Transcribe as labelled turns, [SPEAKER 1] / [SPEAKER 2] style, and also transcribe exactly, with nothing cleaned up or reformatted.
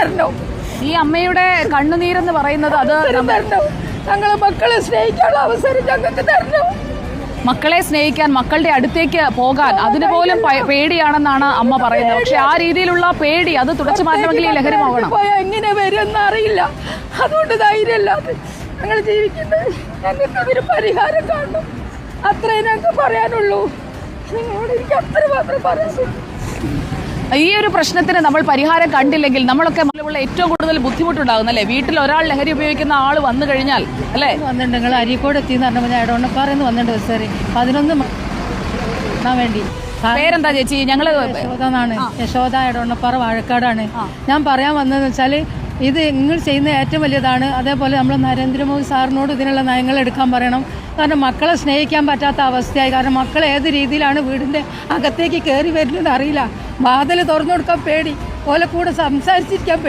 [SPEAKER 1] തരണം.
[SPEAKER 2] ഈ അമ്മയുടെ കണ്ണുനീരെന്ന് പറയുന്നത് അത്
[SPEAKER 1] തരണം. ഞങ്ങളെ മക്കളെ സ്നേഹിക്കാനുള്ള അവസരം ഞങ്ങൾക്ക് തരണം.
[SPEAKER 2] മക്കളെ സ്നേഹിക്കാൻ, മക്കളുടെ അടുത്തേക്ക് പോകാൻ അതിന് പോലും പേടിയാണെന്നാണ് അമ്മ പറയുന്നത്. പക്ഷെ ആ രീതിയിലുള്ള പേടി അത് തുടച്ചു മാറ്റണമെങ്കിൽ ഈ ലഹരി പോകണം.
[SPEAKER 1] എങ്ങനെ വരുമെന്ന് അറിയില്ല. അതുകൊണ്ട് ധൈര്യമില്ലാതെ ഞങ്ങൾ ജീവിക്കുന്നത്. ഞങ്ങൾക്ക് അതൊരു പരിഹാരം കാണണം. അത്രേ ഞങ്ങൾക്ക് പറയാനുള്ളൂ. നിങ്ങളോട് എനിക്ക് അത്ര മാത്രം പറയാം.
[SPEAKER 2] ഈ ഒരു പ്രശ്നത്തിന് നമ്മൾ പരിഹാരം കണ്ടില്ലെങ്കിൽ നമ്മളൊക്കെ ഉള്ള ഏറ്റവും കൂടുതൽ ബുദ്ധിമുട്ടുണ്ടാകും അല്ലേ? വീട്ടിൽ ഒരാൾ ലഹരി ഉപയോഗിക്കുന്ന ആൾ വന്നു കഴിഞ്ഞാൽ അല്ലേ?
[SPEAKER 1] വന്നിട്ടുണ്ട്. നിങ്ങൾ അരീക്കോട് എത്തിയെന്ന് പറഞ്ഞപ്പോൾ ഞാൻ ഇടവണ്ണപ്പാറന്ന് വന്നിട്ടുണ്ട് സാറേ. പതിനൊന്ന് വേണ്ടി.
[SPEAKER 2] പേരെന്താ ചേച്ചി? ഞങ്ങള്
[SPEAKER 1] യശോദ എന്നാണ്. യശോദ, ഇടവണ്ണപ്പാറ, വാഴക്കാടാണ്. ഞാൻ പറയാൻ വന്നതെന്ന് വെച്ചാൽ ഇത് നിങ്ങൾ ചെയ്യുന്ന ഏറ്റവും വലിയതാണ്. അതേപോലെ നമ്മൾ നരേന്ദ്രമോദി സാറിനോട് ഇതിനുള്ള നയങ്ങൾ എടുക്കാൻ പറയണം. കാരണം മക്കളെ സ്നേഹിക്കാൻ പറ്റാത്ത അവസ്ഥയായി. കാരണം മക്കൾ ഏത് രീതിയിലാണ് വീടിൻ്റെ അകത്തേക്ക് കയറി വരുന്നത് അറിയില്ല. വാതിൽ തുറന്നു കൊടുക്കാൻ പേടി, ഓലെ കൂടെ സംസാരിച്ചിരിക്കാൻ പേടി.